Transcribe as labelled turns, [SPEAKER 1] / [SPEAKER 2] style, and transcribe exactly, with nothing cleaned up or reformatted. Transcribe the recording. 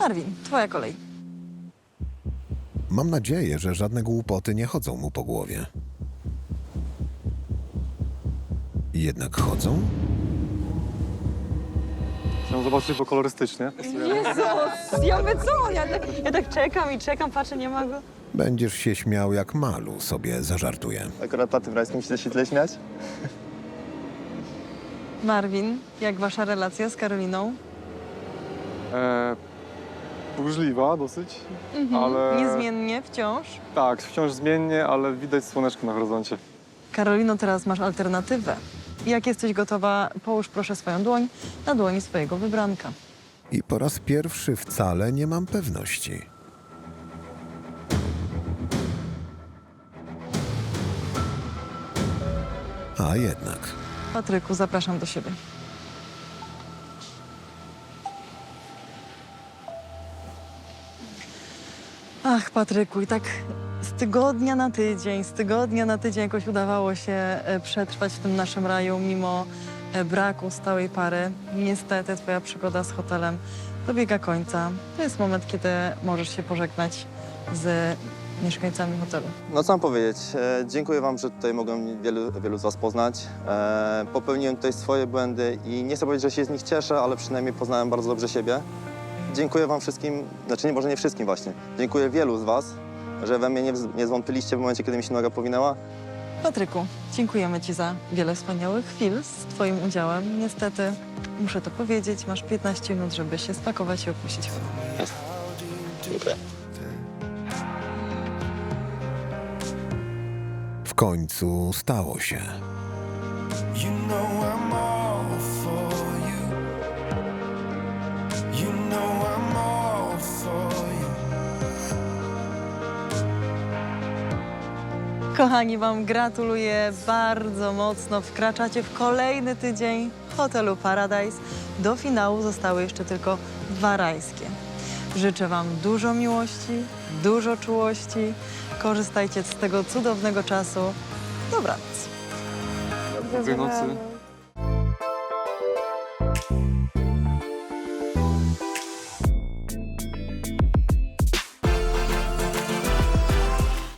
[SPEAKER 1] Marvin, twoja kolej.
[SPEAKER 2] Mam nadzieję, że żadne głupoty nie chodzą mu po głowie. Jednak chodzą?
[SPEAKER 3] Chciałem zobaczyć, bo kolorystycznie.
[SPEAKER 1] Jezus, ja my co? Ja tak, ja tak czekam i czekam, patrzę, nie ma go.
[SPEAKER 2] Będziesz się śmiał, jak Malu sobie zażartuje.
[SPEAKER 4] Akurat na tym rajskim się się tyle śmiać.
[SPEAKER 1] Marvin, jak wasza relacja z Karoliną?
[SPEAKER 3] E, burzliwa dosyć,
[SPEAKER 1] Mhm.
[SPEAKER 3] ale...
[SPEAKER 1] Niezmiennie, wciąż.
[SPEAKER 3] Tak, wciąż zmiennie, ale widać słoneczko na horyzoncie.
[SPEAKER 1] Karolino, teraz masz alternatywę. Jak jesteś gotowa, połóż proszę swoją dłoń na dłoni swojego wybranka.
[SPEAKER 2] I po raz pierwszy wcale nie mam pewności. A jednak.
[SPEAKER 1] Patryku, zapraszam do siebie. Ach, Patryku, i tak z tygodnia na tydzień, z tygodnia na tydzień jakoś udawało się e, przetrwać w tym naszym raju, mimo e, braku stałej pary. Niestety twoja przygoda z hotelem dobiega końca. To jest moment, kiedy możesz się pożegnać z mieszkańcami hotelu.
[SPEAKER 4] No co mam powiedzieć, e, dziękuję wam, że tutaj mogłem wielu, wielu z was poznać. E, popełniłem tutaj swoje błędy i nie chcę powiedzieć, że się z nich cieszę, ale przynajmniej poznałem bardzo dobrze siebie. Dziękuję wam wszystkim, znaczy nie, może nie wszystkim właśnie. Dziękuję wielu z was, że we mnie nie, wz- nie zwątpiliście w momencie, kiedy mi się noga powinęła.
[SPEAKER 1] Patryku, dziękujemy ci za wiele wspaniałych chwil z twoim udziałem. Niestety, muszę to powiedzieć, masz piętnaście minut, żeby się spakować i opuścić hotel.
[SPEAKER 4] Dziękuję.
[SPEAKER 2] W końcu stało się.
[SPEAKER 5] You know I'm all for you. You know I'm all for you.
[SPEAKER 1] Kochani, wam gratuluję bardzo mocno. Wkraczacie w kolejny tydzień hotelu Paradise. Do finału zostały jeszcze tylko dwa rajskie. Życzę wam dużo miłości, dużo czułości. Korzystajcie z tego cudownego czasu. Dobranoc.
[SPEAKER 3] Dobrej nocy.